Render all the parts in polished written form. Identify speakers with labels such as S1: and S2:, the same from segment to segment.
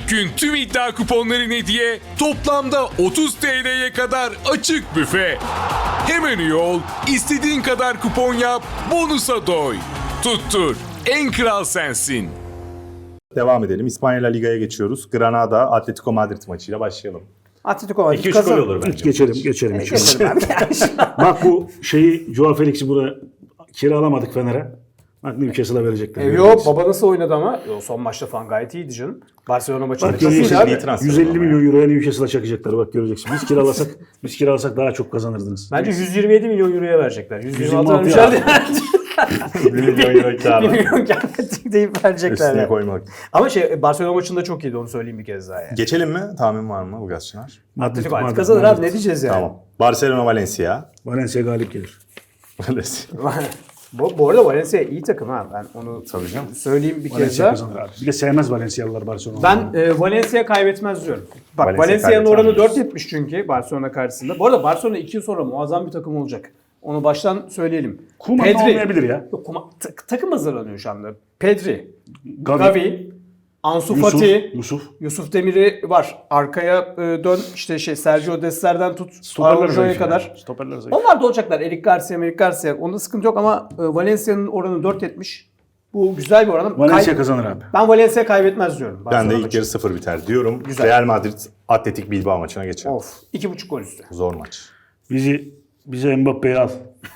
S1: Bugün tüm iddia kuponların hediye, toplamda 30 TL'ye kadar açık büfe. Hemen üye ol, istediğin kadar kupon yap, bonusa doy. Tuttur, en kral sensin.
S2: Devam edelim. İspanya La Liga'ya geçiyoruz. Granada Atletico Madrid maçıyla başlayalım.
S3: Atletico Madrid
S2: 2-3 gol olur bence.
S4: Geçelim.
S3: Geçelim abi.
S4: Bak bu şeyi Joao Felix'i buraya kiralamadık Fener'e. Bak Newcastle'a verecekler.
S3: Yok baba nasıl oynadı ama? Son maçta falan gayet iyiydi canım. Barcelona maçında
S4: Bak
S3: çok iyiydi
S4: görüyorsun,
S3: abi.
S2: transfer
S4: 150
S2: ama
S4: milyon euroya Newcastle'a çakacaklar. Bak göreceksin. Biz kiralasak daha çok kazanırdınız.
S3: Bence 127 milyon euroya verecekler. 126
S4: 126
S3: vermişler.
S2: 1 milyon euro
S3: 1
S2: kârı.
S3: milyon gelmedik deyip verecekler.
S2: Üstüne
S3: Yani.
S2: koymak.
S3: Ama Barcelona maçında çok iyiydi onu söyleyeyim bir kez daha yani.
S2: Geçelim mi? Tahmin var mı Ulgas Çınar?
S3: Atletico Madrid kazanır abi ne diyeceğiz yani.
S2: Tamam. Barcelona Valencia.
S4: Valencia galip gelir.
S2: Valencia.
S3: Bu arada Valencia iyi takım ha. Ben onu
S2: Tabii canım.
S3: söyleyeyim bir kez
S4: Valencia
S3: daha.
S4: kazanır abi. Bir de sevmez Valencialılar Barcelona'yı.
S3: Ben Valencia kaybetmez diyorum. Bak
S2: Valencia
S3: Valencia'nın oranı
S2: kaybetmez.
S3: 4.70 çünkü Barcelona karşısında. Bu arada Barcelona 2 yıl sonra muazzam bir takım olacak. Onu baştan söyleyelim.
S4: Koeman olmayabilir ya.
S3: Yok, takım hazırlanıyor şu anda. Pedri,
S4: Gavi,
S3: Gavi, Ansu Fati,
S4: Yusuf.
S3: Demir'i var. Arkaya dön işte Sergio Dest'lerden tut Araujo'ya kadar.
S4: Stoperler zayıf.
S3: Onlar da olacaklar. Eric Garcia. Onda sıkıntı yok ama Valencia'nın oranı 4.70. Bu güzel bir oran.
S4: Valencia kazanır abi.
S3: Ben Valencia kaybetmez diyorum.
S2: Ben de
S3: Barcelona
S2: ilk
S3: maçı.
S2: yarı 0 biter diyorum.
S3: Güzel.
S2: Real Madrid Atletik Bilbao maçına geçelim.
S3: Of. 2.5 gol üstü.
S2: Zor maç.
S4: Bize Mbappe'yi al.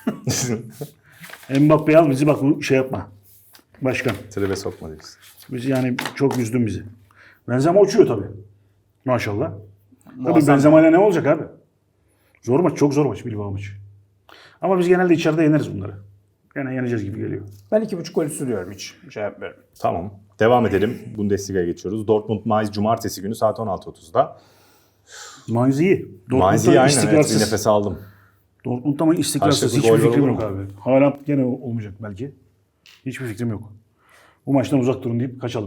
S4: Mbappe'yi al bizi bak bu şey yapma. Başkan.
S2: Tribe sokma diyorsun.
S4: Bizi yani çok üzdün bizi. Benzema uçuyor tabii. Maşallah. Tabii
S3: Muazzam.
S4: Benzema'yla ne olacak abi? Zor maç, çok zor maç Bilbao maçı. Ama biz genelde içeride yeneriz bunları. Gene yeneceğiz gibi geliyor.
S3: Ben 2.5 gol üstü diyorum hiç. Şey yapmıyorum.
S2: Tamam. Devam edelim. Bundesliga'ya geçiyoruz. Dortmund-Mainz Cumartesi günü saat 16.30'da.
S4: Mainz iyi.
S2: Mainz iyi aynen. Evet, bir nefes aldım.
S4: Dortmund'da ama istikrarsız.
S2: Karşılıklı
S4: Hiçbir
S2: gol
S4: fikrim
S2: olur
S4: yok
S2: mu?
S4: abi. Haaland gene olmayacak belki. Hiçbir fikrim yok. Bu maçtan uzak durun deyip kaçalım.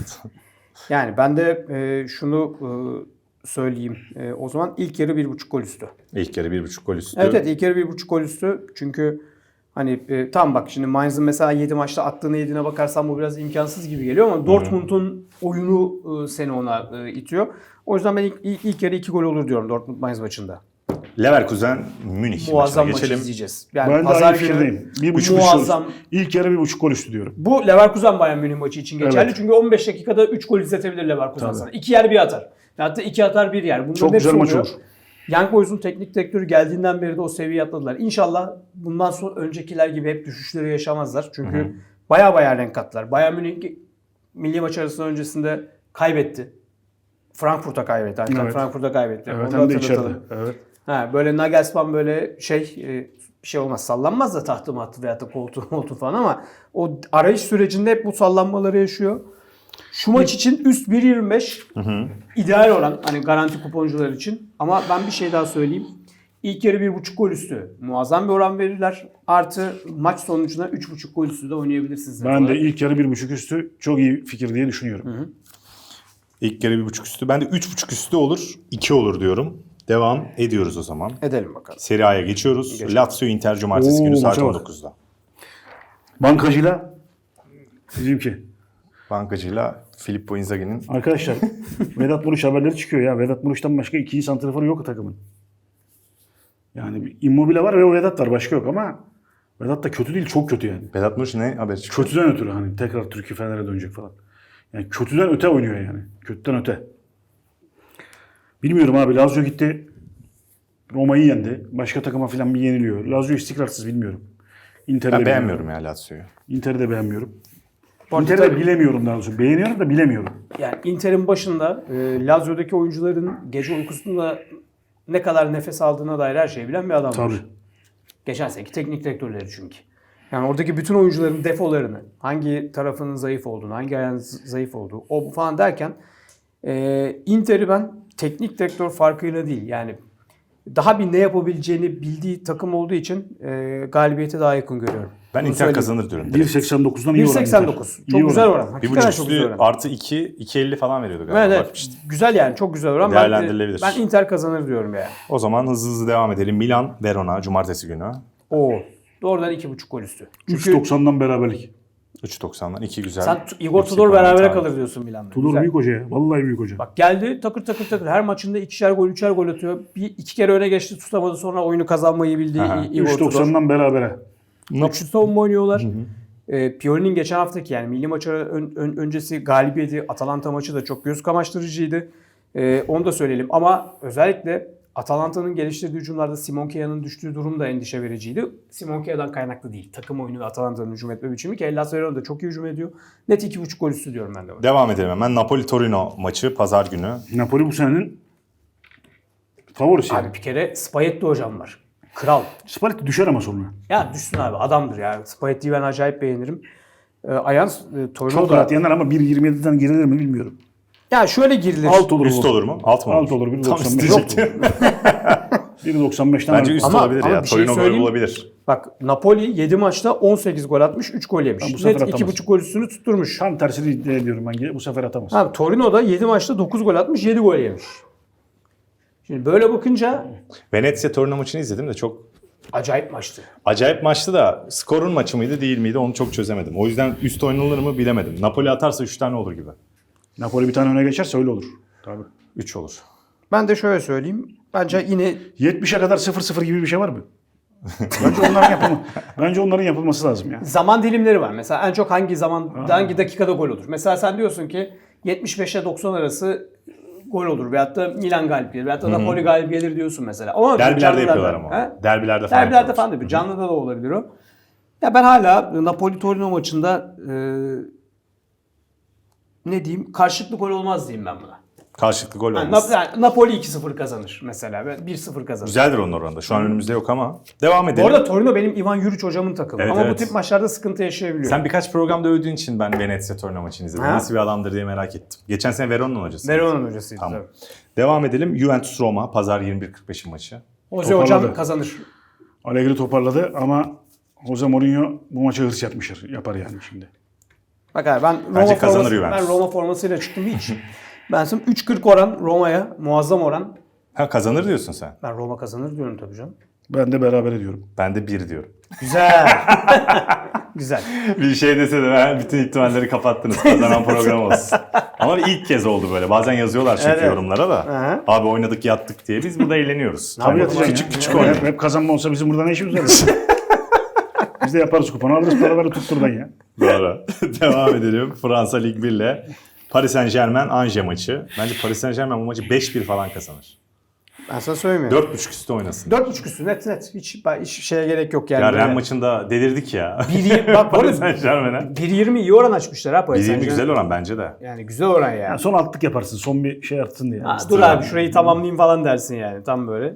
S3: Yani ben de şunu söyleyeyim. O zaman ilk yarı 1.5 gol üstü.
S2: İlk yarı 1.5 gol üstü.
S3: Evet ilk yarı 1.5 gol üstü. Çünkü hani tam bak şimdi Mainz'ın mesela 7 maçta attığını yediğine bakarsan bu biraz imkansız gibi geliyor ama Dortmund'un oyunu seni ona itiyor. O yüzden ben ilk yarı 2 gol olur diyorum Dortmund Mainz maçında.
S2: Leverkusen Münih
S3: Muazzam
S2: maçına
S3: maçı
S2: geçelim.
S3: izleyeceğiz. Yani
S4: Ben de
S3: pazar
S4: aynı
S3: günü
S4: fikirdeyim. 1.5
S3: muazzam.
S4: İlk yarı 1.5 gol üstü diyorum.
S3: Bu Leverkusen Bayern Münih maçı için geçerli.
S4: Evet.
S3: Çünkü 15 dakikada 3 gol izletebilir Leverkusen
S4: Tabii.
S3: sana. 2 yer bir atar. Hatta 2 atar 1 yer. Bunların
S4: Çok
S3: hepsi
S4: güzel maç
S3: oluyor.
S4: olur.
S3: Young Boys'un teknik direktörü geldiğinden beri de o seviyeyi atladılar. İnşallah bundan sonra öncekiler gibi hep düşüşleri yaşamazlar. Çünkü baya renk kattılar. Bayern Münih milli maç arasında öncesinde kaybetti. Frankfurt'a kaybetti.
S4: Evet.
S3: Frankfurt'a kaybetti.
S4: Evet
S3: Onu
S4: hem de
S3: hatırlatalım.
S4: içeride. Evet.
S3: Böyle Nagelsmann böyle bir şey olmaz. Sallanmaz da tahtı mahtı veyahut da koltuğu falan ama o arayış sürecinde hep bu sallanmaları yaşıyor. Şu maç için üst 1.25 ideal oran hani garanti kuponcular için. Ama ben bir şey daha söyleyeyim. İlk yarı 1.5 gol üstü muazzam bir oran verirler. Artı maç sonucuna 3.5 gol üstü de oynayabilirsiniz.
S4: Ben de ilk yarı 1.5 üstü çok iyi fikir diye düşünüyorum.
S2: İlk yarı 1.5 üstü. Ben de 3.5 üstü olur. 2 olur diyorum. Devam ediyoruz o zaman.
S3: Edelim bakalım.
S2: Serie A'ya geçiyoruz. Lazio Inter Cumartesi günü saat
S4: maça bak.
S2: 19'da.
S4: Bankacıyla bizimki.
S2: Bankacıyla Filippo Inzaghi'nin
S4: Arkadaşlar Vedat Muriç haberleri çıkıyor ya. Vedat Muriç'ten başka ikinci santraforu yok takımın. Yani bir Immobile var ve o Vedat var. Başka yok ama Vedat da kötü değil. Çok kötü yani.
S2: Vedat Muriç ne haber çıktı?
S4: Kötüden ötürü hani tekrar Türkiye Fener'e dönecek falan. Yani kötüden öte oynuyor yani. Kötüden öte. Bilmiyorum abi. Lazio gitti. Roma'yı yendi. Başka takıma falan bir yeniliyor. Lazio istikrarsız bilmiyorum. Inter'i
S2: Ben
S4: de
S2: beğenmiyorum ya Lazio'yu.
S4: Inter'i de beğenmiyorum.
S3: arada
S4: Inter'i de
S3: tabii-
S4: bilemiyorum daha doğrusu. Beğeniyorum da bilemiyorum.
S3: Yani Inter'in başında Lazio'daki oyuncuların gece uykusunda ne kadar nefes aldığına dair her şeyi bilen bir adam var.
S4: Tabii.
S3: Geçen seneki teknik direktörleri çünkü. Yani oradaki bütün oyuncuların defolarını, hangi tarafının zayıf olduğunu, hangi ayağının zayıf olduğu, o bu falan derken Inter'i ben teknik direktör farkıyla değil yani daha bir ne yapabileceğini bildiği takım olduğu için galibiyete daha yakın görüyorum.
S2: Ben
S3: Bunu
S2: Inter
S3: söyleyeyim.
S2: kazanır diyorum. direkt.
S4: 1.89'dan iyi oran.
S3: 1.89.
S4: Inter.
S3: Çok
S4: İyi
S3: güzel
S4: oran.
S3: oran.
S2: Bir
S3: Hakikaten
S2: buçuk
S3: çok güzel
S2: üstü
S3: oran.
S2: artı 2.50 falan veriyordu galiba.
S3: Evet, evet.
S2: Bakmıştım.
S3: Güzel yani çok güzel oran.
S2: Değerlendirilebilir.
S3: Ben Inter kazanır diyorum yani.
S2: O zaman hızlı devam edelim. Milan Verona Cumartesi günü.
S3: Oo. Doğrudan 2.5 gol üstü. Çünkü
S4: 3.90'dan beraberlik.
S2: 3.90'dan 2 güzel.
S3: Sen Igor
S2: yüksek
S3: Tudor
S2: oran
S3: berabere
S2: tahmin.
S3: kalır diyorsun Milan'da.
S4: Tudor
S3: Güzel.
S4: büyük hoca ya. Vallahi büyük hoca.
S3: Bak geldi takır takır takır. Her maçında 2'şer gol, 3'er gol atıyor. İki kere öne geçti, tutamadı. Sonra oyunu kazanmayı bildi
S2: Aha.
S3: Igor Tudor.
S4: 3.90'dan berabere.
S3: Üçlü savunma oynuyorlar. Pioli'nin geçen haftaki yani milli maçı öncesi galibiyeti, Atalanta maçı da çok göz kamaştırıcıydı. Onu da söyleyelim. Ama özellikle Atalanta'nın geliştirdiği hücumlarda Simon Kia'nın düştüğü durum da endişe vericiydi. Simon Kia'dan kaynaklı değil. Takım oyunu ve Atalanta'nın hücum etme biçimi ki Hellas Verona da çok iyi hücum ediyor. Net 2.5 gol üstü diyorum ben de.
S2: Devam edelim hemen. Napoli-Torino maçı pazar günü.
S4: Napoli bu senenin favorisi yani.
S3: Abi bir kere Spalletti hocam var. Kral.
S4: Spalletti düşer ama sonra.
S3: Ya düşsün abi, adamdır ya. Spalletti'yi ben acayip beğenirim. Ayans Torino
S4: Çok
S3: da...
S4: rahat yener ama 1.27'den girilir mi bilmiyorum.
S3: Ya şöyle girilir.
S4: Alt olur
S2: Üst
S4: bu.
S2: olur mu? Alt mı olur?
S4: Alt olur.
S2: Tam
S4: 1.95.
S2: isteyecektim.
S4: 1.95'ten
S2: Bence üst
S3: Ama-
S2: olabilir
S3: ama
S2: ya.
S3: bir şey
S2: Torino gol
S3: söyleyeyim.
S2: bulabilir.
S3: Bak Napoli 7 maçta 18 gol atmış, 3 gol yemiş.
S4: Tam bu sefer
S3: Net
S4: atamaz.
S3: 2.5 gol üstünü tutturmuş.
S4: Tam tersini iddia ediyorum ben. Bu sefer atamaz.
S3: Abi Torino'da 7 maçta 9 gol atmış, 7 gol yemiş. Şimdi böyle bakınca
S2: Venezia Torino maçını izledim de çok
S3: acayip maçtı.
S2: acayip maçtı da skorun maçı mıydı değil miydi onu çok çözemedim. O yüzden üst oynanır mı bilemedim. Napoli atarsa 3 tane olur gibi.
S4: Napoli bir tane öne geçerse öyle olur. Tabii.
S2: 3 olur.
S3: Ben de şöyle söyleyeyim. Bence yine
S4: 70'e kadar 0-0 gibi bir şey var mı? Bence onların yapılması lazım ya.
S3: zaman dilimleri var. Mesela en çok hangi dakikada gol olur? Mesela sen diyorsun ki 75'e 90 arası gol olur. Veyahut da Milan galip gelir. Veyahut da Napoli galip gelir diyorsun mesela. Ama
S2: Derbilerde
S3: canlılarda-
S2: yapıyorlar ama.
S3: He?
S2: Derbilerde falan
S3: Derbilerde
S2: yapıyorlar.
S3: falan değil. Canlıda da olabilir o. Ya ben hala Napoli-Torino maçında ne diyeyim? Karşılıklı gol olmaz diyeyim ben buna.
S2: Karşılıklı gol
S3: Yani
S2: olmaz.
S3: Napoli 2-0 kazanır mesela. 1-0 kazanır.
S2: Güzeldir onun oranında. Şu an önümüzde yok ama. Devam
S3: Bu
S2: edelim.
S3: arada Torino benim Ivan Juric hocamın takımı.
S2: Evet,
S3: Ama
S2: evet.
S3: bu tip maçlarda sıkıntı yaşayabiliyor.
S2: Sen birkaç programda övdüğün için ben Venezia Torino maçını izledim.
S3: Ha?
S2: Nasıl bir adamdır diye merak ettim. Geçen sene Verona'nın hocası.
S3: Verona'nın hocasıydı
S2: Tamam.
S3: tabii.
S2: Devam edelim. Juventus Roma pazar 21.45'in maçı.
S3: Jose
S4: Toparladı.
S3: hocam kazanır.
S4: Allegri toparladı ama Jose Mourinho bu maça hırs yapar yani şimdi.
S3: Bak abi ben
S2: Bence kazanır Juventus.
S3: Ben Roma formasıyla çıktım hiç. Ben sana 3.40 oran Roma'ya, muazzam oran.
S2: Ha kazanır diyorsun sen.
S3: Ben Roma kazanır diyorum tabii canım.
S4: Ben de beraber ediyorum.
S2: Ben de 1 diyorum.
S3: Güzel. Güzel.
S2: Bir şey dese de ben bütün ihtimalleri kapattınız. Kazanan program olsun. Ama ilk kez oldu böyle. Bazen yazıyorlar çünkü
S3: Evet.
S2: yorumlara da.
S3: Hı.
S2: Abi oynadık yattık diye. Biz burada eğleniyoruz.
S4: Abi yatacaksın
S2: küçük
S4: ya.
S2: küçük oynuyoruz.
S4: Hep kazanma olsa bizim burada ne işimiz var? Biz de yaparız kuponu alırız paraları tutturdan ya.
S2: Doğru. Devam edelim. Fransa Lig 1 ile Paris Saint-Germain Angers maçı. Bence Paris Saint-Germain bu maçı 5-1 falan kazanır.
S3: Ben sana söylemiyorum.
S2: 4.5 üstü oynasın.
S3: 4.5 üstü net. Hiç şeye gerek yok yani.
S2: Ya
S3: Böyle
S2: Ren maçında delirdik ya.
S3: Bak
S2: Paris
S3: böyle
S2: Saint-Germain'e.
S3: 1.20 iyi oran açmışlar ha Paris
S2: 1.20
S3: Saint-Germain.
S2: güzel oran bence de.
S3: Yani güzel oran yani.
S4: Yani son altlık yaparsın. Son bir şey artsın diye.
S3: Ha, dur abi şurayı tamamlayayım falan dersin yani tam böyle.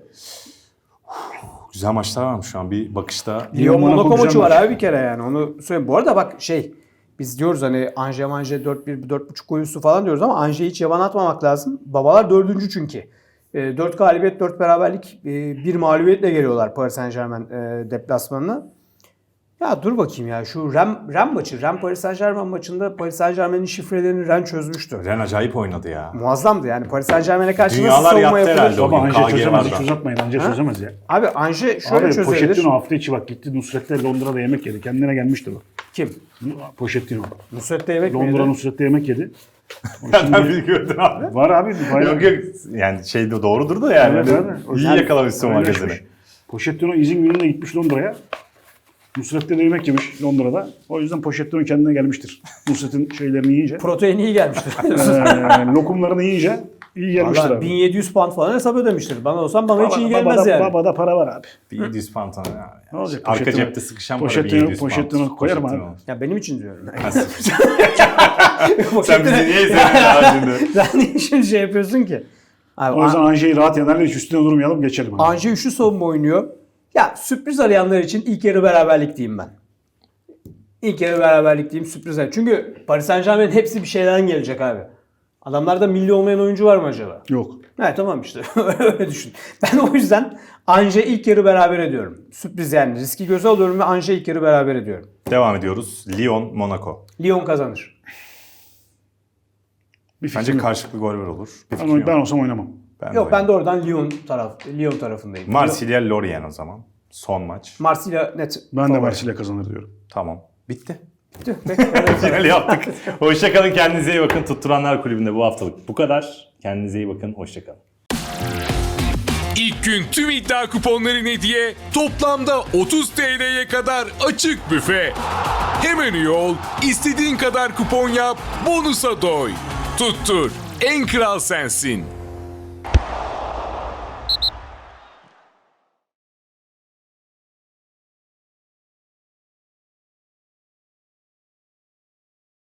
S2: Güzel maçlar varmış şu an bir bakışta.
S3: Lyon Monaco
S4: güzel
S3: maçı var
S4: maç.
S3: abi bir kere yani onu söyleyeyim. Bu arada bak biz diyoruz hani Angers 4-1 4.5 gol üstü falan diyoruz ama Angers'i hiç yaban atmamak lazım. Babalar 4. çünkü. 4 galibiyet 4 beraberlik 1 mağlubiyetle geliyorlar Paris Saint-Germain deplasmanına. Ya dur bakayım ya şu Ren maçı. Ren Paris Saint-Germain maçında Paris Saint-Germain'in şifrelerini Ren çözmüştü.
S2: Ren acayip oynadı ya.
S3: Muazzamdı yani Paris Saint-Germain'e karşı
S2: Dünyalar
S3: nasıl savunma
S2: yattı
S3: yapılır?
S2: herhalde o
S4: Baba
S2: gün.
S4: Ange
S2: KG
S4: çözemez.
S2: vardı.
S4: Hiç uzatmayın. Ange çözemez ya.
S3: Abi Ange şöyle
S4: Abi
S3: çözülür.
S4: Pochettino hafta içi bak gitti Nusret'le Londra'da yemek yedi. Kendine gelmişti bu.
S3: Kim?
S4: Pochettino.
S3: Nusret'te yemek mi
S4: Londra
S3: yedi?
S4: Nusret'le yemek yedi.
S2: Ben biliyordum abi.
S4: Var abi. bayağı-
S2: Yok yok yani şey de doğrudur da yani.
S4: Evet, evet.
S2: İyi
S4: Yani
S2: yakalamışsın
S4: öyle
S2: magazini.
S4: yapmış. Pochettino izin gününde gitmiş Londra'ya. Nusret'le de yemek yemiş Londra'da. O yüzden Pochettino kendine gelmiştir. Nusret'in şeylerini yiyince.
S3: Protein iyi gelmiştir.
S4: Lokumlarını yiyince iyi gelmiştir
S3: Valla
S4: abi.
S3: 1700 pound falan hesap ödemiştir. Bana olsam bana hiç iyi gelmez
S4: babada,
S3: yani.
S4: Babada para var abi.
S2: Bir 700 pantolon ya.
S4: Ne olacak?
S2: Arka
S4: Pochettino-
S2: cepte sıkışan para
S4: Pochettino-
S2: 1700
S4: Pochettino koyarım abi.
S3: Ya benim için diyorum.
S2: Sen bizi niye izledin ya şimdi?
S3: Sen niye şimdi şey yapıyorsun ki? Abi,
S4: O yüzden Ange'yi rahat yenerler. Hiç üstüne durmayalım geçelim. Abi.
S3: Ange üçlü savunma oynuyor. Ya sürpriz arayanlar için ilk yarı beraberlik diyeyim ben. İlk yarı beraberlik diyeyim sürpriz. Çünkü Paris Saint-Germain'in hepsi bir şeyden gelecek abi. Adamlarda milli olmayan oyuncu var mı acaba?
S4: Yok.
S3: Evet tamam işte öyle düşün. Ben o yüzden Ange ilk yarı beraber ediyorum. Sürpriz yani riski göze alıyorum ve Ange ilk yarı beraber ediyorum.
S2: Devam ediyoruz. Lyon, Monaco.
S3: Lyon kazanır.
S4: Bir fikrim
S2: Bence
S4: yok.
S2: karşılıklı gol olur. Bir fikrim
S4: Ama
S2: yok.
S4: ben olsam oynamam.
S3: Yok ben de oradan Lyon tarafındayım.
S2: Marsilya, Lorient o zaman. Son maç.
S3: Marsilya net.
S4: Ben de
S3: favori.
S4: Marsilya kazanır diyorum.
S2: Tamam. Bitti. Finali yaptık. Hoşçakalın, kendinize iyi bakın. Tutturanlar Kulübü'nde bu haftalık bu kadar. Kendinize iyi bakın, hoşçakalın.
S1: İlk gün tüm iddia kuponların hediye, toplamda 30 TL'ye kadar açık büfe. Hemen üye ol, istediğin kadar kupon yap, bonusa doy. Tuttur, en kral sensin.